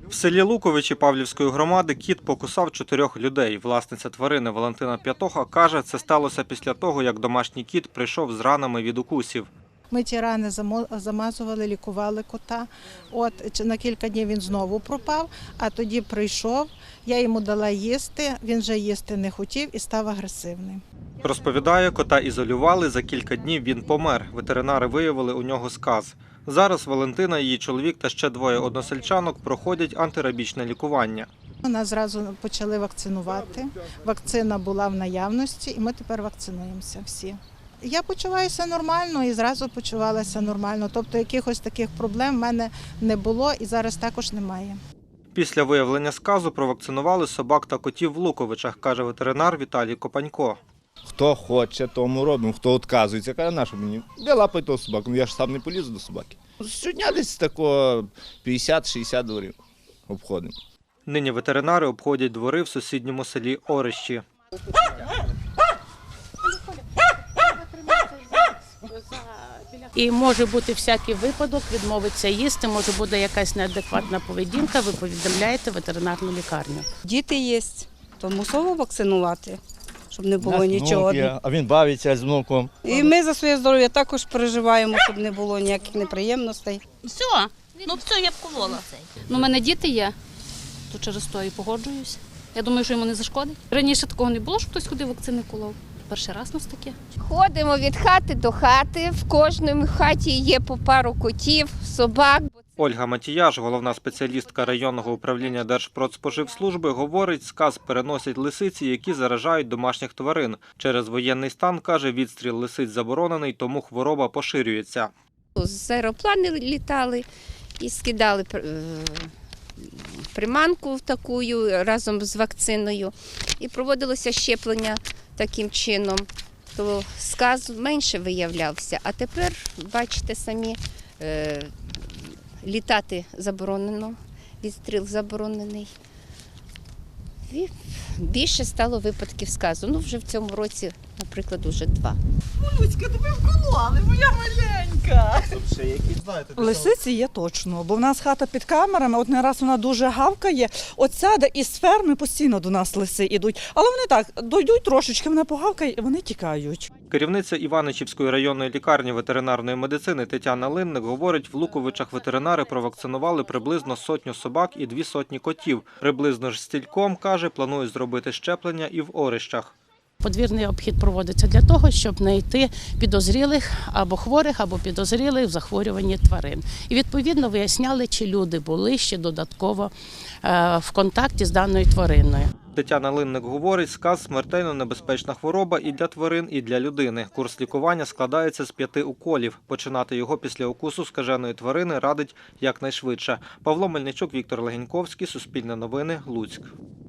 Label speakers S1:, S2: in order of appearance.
S1: В селі Луковичі Павлівської громади кіт покусав 4 людей. Власниця тварини Валентина П'ятоха каже, це сталося після того, як домашній кіт прийшов з ранами від укусів.
S2: Ми ті рани замазували, лікували кота. На кілька днів він знову пропав, а тоді прийшов, я йому дала їсти, він вже їсти не хотів і став агресивним.
S1: Розповідає, кота ізолювали, за кілька днів він помер. Ветеринари виявили у нього сказ. Зараз Валентина, її чоловік та ще 2 односельчанок проходять антирабічне лікування.
S2: Нас зразу почали вакцинувати. Вакцина була в наявності і ми тепер вакцинуємося всі. Я почуваюся нормально і зразу почувалася нормально. Тобто якихось таких проблем в мене не було і зараз також немає.
S1: Після виявлення сказу провакцинували собак та котів в Луковичах, каже ветеринар Віталій Копанько.
S3: Хто хоче, тому робимо, хто відказується, каже, на що мені? Де лапай того собаку, я ж сам не полізу до собаки. Щодня десь такого 50-60 обходимо.
S1: Нині ветеринари обходять двори в сусідньому селі Орищі.
S4: І може бути всякий випадок, відмовиться їсти, може буде якась неадекватна поведінка, ви повідомляєте ветеринарну лікарню.
S5: Діти є, то мусово вакцинувати, щоб не було нічого.
S3: А він бавиться з внуком.
S5: І ми за своє здоров'я також переживаємо, щоб не було ніяких неприємностей.
S4: Все, я вколола.
S6: У мене діти є, то через то і погоджуюсь. Я думаю, що йому не зашкодить. Раніше такого не було, щоб хтось ходив вакцини колов. Перший раз у нас таке.
S7: Ходимо від хати до хати, в кожній хаті є по пару котів, собак.
S1: Ольга Матіяш, головна спеціалістка районного управління Держпродспоживслужби, говорить, сказ переносять лисиці, які заражають домашніх тварин. Через воєнний стан, каже, відстріл лисиць заборонений, тому хвороба поширюється.
S7: З аероплани літали і скидали приманку таку разом з вакциною. І проводилося щеплення таким чином. То сказ менше виявлявся, а тепер, бачите самі, літати заборонено, відстріл заборонений. І більше стало випадків сказу. Вже в цьому році, наприклад, уже 2.
S8: Люська, тебе вкололи, моя маленька.
S9: Лисиці є точно, бо в нас хата під камерами, не раз вона дуже гавкає. Сяде із ферми постійно до нас лиси йдуть. Але вони так, дойдуть трошечки, вона погавкає і вони тікають.
S1: Керівниця Іваничівської районної лікарні ветеринарної медицини Тетяна Линник говорить, в Луковичах ветеринари провакцинували приблизно 100 собак і 200 котів. Приблизно ж стільком, каже, планують зробити щеплення і в Орищах.
S4: Подвірний обхід проводиться для того, щоб знайти підозрілих або хворих, або підозрілих в захворюванні тварин. І відповідно виясняли, чи люди були ще додатково в контакті з даною твариною.
S1: Тетяна Линник говорить, сказ – смертельно небезпечна хвороба і для тварин, і для людини. Курс лікування складається з 5 уколів. Починати його після укусу скаженої тварини радить якнайшвидше. Павло Мельничук, Віктор Легеньковський, Суспільне новини, Луцьк.